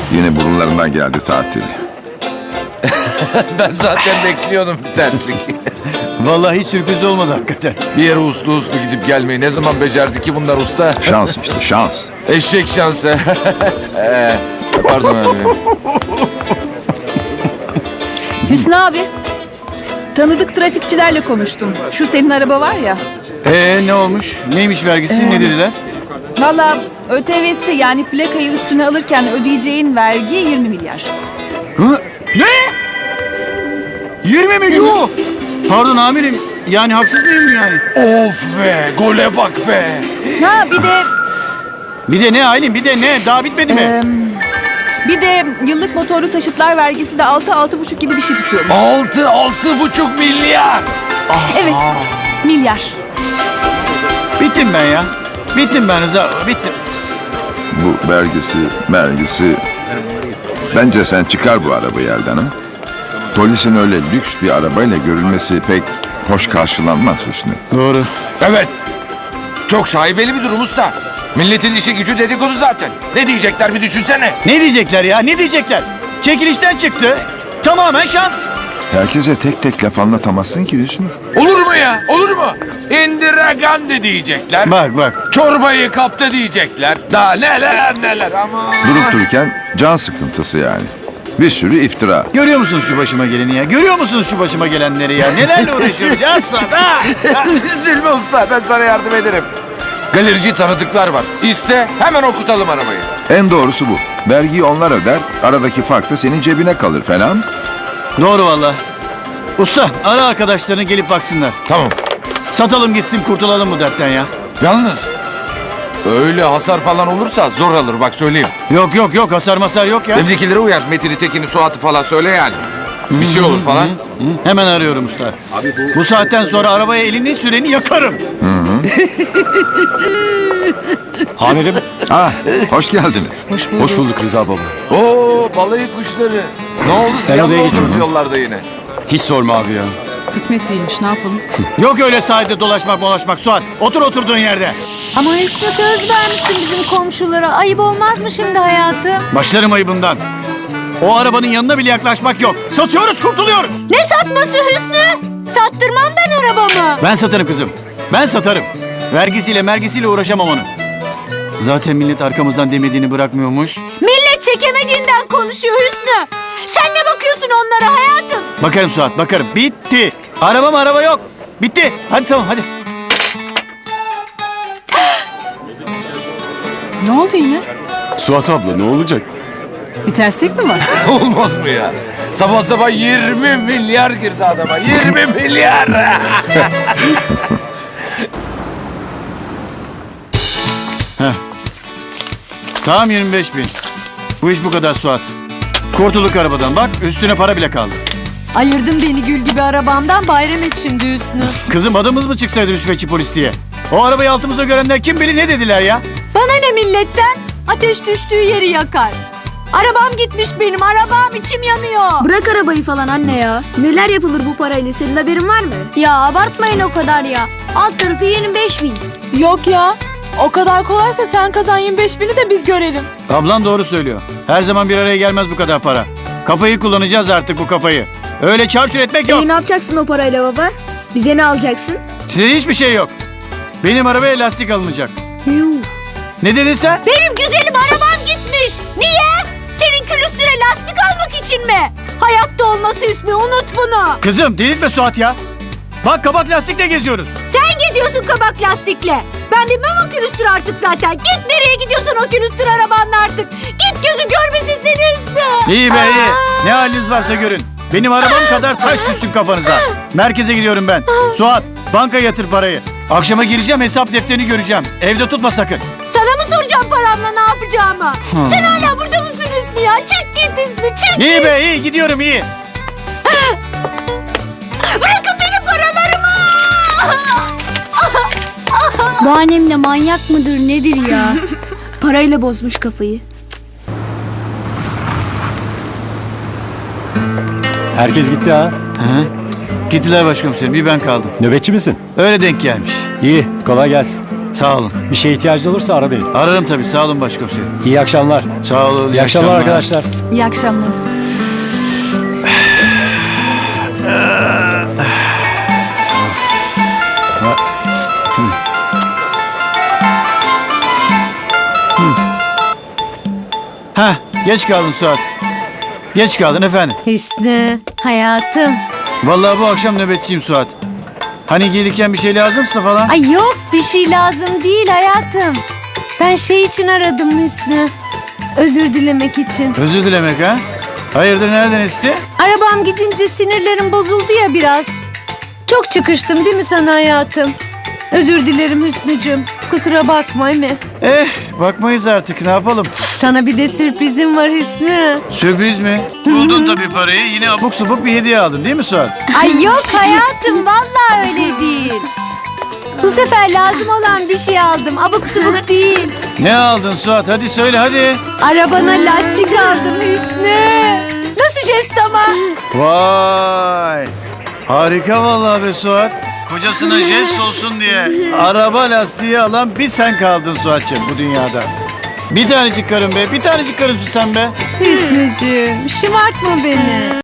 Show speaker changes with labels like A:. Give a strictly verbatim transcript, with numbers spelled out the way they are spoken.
A: Yine burunlarından geldi tatil.
B: Ben zaten bekliyordum bir terslik.
C: Vallahi hiç sürpriz olmadı hakikaten.
B: Bir yere uslu uslu gidip gelmeyi ne zaman becerdi ki bunlar usta?
A: Şans işte şans.
B: Eşek şansı. Ee, Pardon abi.
D: Hüsnü abi, tanıdık trafikçilerle konuştum. Şu senin araba var ya.
C: Ee ne olmuş? Neymiş vergisi? Ne dediler?
D: Valla ÖTV'si yani plakayı üstüne alırken ödeyeceğin vergi yirmi milyar.
C: Hı? Ne? yirmi mi? Yuh! Pardon amirim. Yani haksız mıyım yani?
B: Of be, gole bak be.
D: Ha bir de
C: Bir de ne Aylin? Bir de ne? Daha bitmedi mi?
D: e, bir de yıllık motorlu taşıtlar vergisi de altı altı buçuk gibi bir şey tutuyormuş.
B: Altı, altı buçuk milyar.
D: Evet, milyar.
C: Bittim ben ya. Bittim ben Rıza. Bittim.
A: Bu vergisi, vergisi... Bence sen çıkar bu arabayı elden ha. Polisin öyle lüks bir arabayla görülmesi pek hoş karşılanmaz Hüsnü.
C: Doğru.
B: Evet. Çok şaibeli bir durum usta. Milletin işi gücü dedikodu zaten. Ne diyecekler bir düşünsene.
C: Ne diyecekler ya? Ne diyecekler? Çekilişten çıktı. Tamamen şans.
A: Herkese tek tek laf anlatamazsın ki Hüsnü.
B: Olur mu ya? Olur mu? Indira Gandhi diyecekler.
C: Bak bak.
B: Çorbayı kaptı diyecekler. Daha neler neler ama.
A: Durup dururken can sıkıntısı yani. Bir sürü iftira.
C: Görüyor musunuz şu başıma geleni ya? Görüyor musunuz şu başıma gelenleri ya? Nelerle uğraşıyoruz ya sana?
B: Üzülme usta, ben sana yardım ederim. Galerici tanıdıklar var. İste, hemen okutalım arabayı.
A: En doğrusu bu. Vergiyi onlar öder, aradaki fark da senin cebine kalır. Fena mı?
C: Doğru valla. Usta ara arkadaşlarını gelip baksınlar.
B: Tamam.
C: Satalım gitsin kurtulalım bu dertten ya.
B: Yalnız öyle hasar falan olursa zor alır bak söyleyeyim.
C: Yok yok yok hasar masar yok ya.
B: Evdekilere uyar. Metin'i, Tekin'i, Suat'ı falan söyle yani. Bir şey olur falan.
C: Hı, hemen arıyorum usta. bu... bu saatten sonra arabaya elini süreni yakarım.
E: Amirim,
A: Ah, hoş geldiniz.
E: hoş bulduk Rıza baba.
B: Oo, balayı kuşları. Ne oldu?
E: Ben
B: Ziyan
E: odaya
B: mı oldunuz
E: geçiyorum.
B: yollarda yine?
E: Hiç sorma abi ya.
D: Kısmet değilmiş, ne yapalım?
C: Yok öyle sahilde dolaşmak dolaşmak Suat. Otur oturduğun yerde.
F: Ama Hüsnü söz vermiştin bizim komşulara. Ayıp olmaz mı şimdi hayatım?
C: Başlarım ayıbından. O arabanın yanına bile yaklaşmak yok. Satıyoruz kurtuluyoruz.
F: Ne satması Hüsnü? Sattırmam ben arabamı.
C: Ben satarım kızım. Ben satarım. Vergisiyle mergisiyle uğraşamam onun. Zaten millet arkamızdan demediğini bırakmıyormuş.
F: Millet çekemediğinden konuşuyor Hüsnü. Sen ne bakıyorsun onlara hayatım?
C: Bakarım Suat bakarım. Bitti. Araba araba yok. Bitti. Hadi tamam hadi.
D: Ne oldu yine?
E: Suat abla ne olacak?
D: Bir terslik mi var?
B: Olmaz mı ya? Sabah sabah yirmi milyar girdi adama. yirmi milyar.
C: Tamam yirmi beş bin. Bu iş bu kadar Suat. Kurtulduk arabadan bak üstüne para bile kaldı.
F: Ayırdın beni gül gibi arabamdan, bayram et şimdi Hüsnü.
C: Kızım adımız mı çıksaydı rüşvetçi polis diye? O arabayı altımızda görenler kim bilir ne dediler ya?
F: Bana ne milletten? Ateş düştüğü yeri yakar. Arabam gitmiş benim, arabam, içim yanıyor.
G: Bırak arabayı falan anne ya. Neler yapılır bu parayla, senin haberin var mı?
F: Ya abartmayın o kadar ya. Alt tarafı yirmi beş bin.
H: Yok ya. O kadar kolaysa sen kazan yirmi beş bini de biz görelim.
C: Ablan doğru söylüyor. Her zaman bir araya gelmez bu kadar para. Kafayı kullanacağız artık bu kafayı. Öyle çarçur etmek yok.
G: E, ne yapacaksın o parayla baba? Bize ne alacaksın?
C: Size hiçbir şey yok. Benim arabaya lastik alınacak.
G: Yuh.
C: Ne dedin sen?
F: Benim güzelim arabam gitmiş. Niye? Senin külüstüre lastik almak için mi? Hayatta olması Hüsnü, unut bunu.
C: Kızım delirtme Suat ya. Bak kabak lastikle geziyoruz.
F: Sen geziyorsun kabak lastikle. Ben bilmem o külüstür artık zaten. Git nereye gidiyorsan o külüstür arabanla artık. Git gözü görmesin seni Hüsnü.
C: İyi be iyi. Ne haliniz varsa görün. Benim arabam kadar taş düşsün kafanıza. Merkeze gidiyorum ben. Suat banka yatır parayı. Akşama gireceğim hesap defterini göreceğim. Evde tutma sakın.
F: Sana mı soracağım paramla ne yapacağımı? Sen hala burada mısın Hüsnü ya? Çık git Hüsnü, çık
C: İyi
F: git.
C: be iyi gidiyorum iyi.
F: Bırakın benim paralarımı.
G: Bu annem de manyak mıdır nedir ya? Parayla bozmuş kafayı.
E: Herkes gitti ha.
C: Hı? Gittiler başkomiserim bir ben kaldım.
E: Nöbetçi misin?
C: Öyle denk gelmiş.
E: İyi, kolay gelsin.
C: Sağ olun.
E: Bir şeye ihtiyacın olursa ara beni.
C: Ararım tabii. Sağ olun başkomiserim.
E: İyi akşamlar.
C: Sağ olun.
E: İyi akşamlar arkadaşlar.
D: İyi akşamlar.
C: Heh, geç kaldın Suat. Geç kaldın efendim.
F: Hüsnü, hayatım.
C: Vallahi bu akşam nöbetçiyim Suat. Hani gelirken bir şey lazımsa falan.
F: Ay yok bir şey lazım değil hayatım. Ben şey için aradım Hüsnü. Özür dilemek için.
C: Özür dilemek ha? Hayırdır nereden esti?
F: Arabam gidince sinirlerim bozuldu ya biraz. Çok çıkıştım değil mi sana hayatım? Özür dilerim Hüsnücüm. Kusura bakma mi?
C: Eh bakmayız artık ne yapalım.
F: Sana bir de sürprizim var Hüsnü.
C: Sürpriz mi? Buldun tabii parayı yine abuk subuk bir hediye aldın değil mi Suat?
F: Ay yok hayatım vallahi öyle değil. Bu sefer lazım olan bir şey aldım. Abuk subuk değil.
C: Ne aldın Suat hadi söyle hadi.
F: Arabana lastik aldım Hüsnü. Nasıl jest ama?
C: Vay. Harika vallahi be Suat. Kocasına jest olsun diye araba lastiği alan bir sen kaldın Suat'cığım bu dünyada. Bir tanecik karın be, bir tanecik karınsın sen be.
F: Hüsnücüğüm şımartma beni.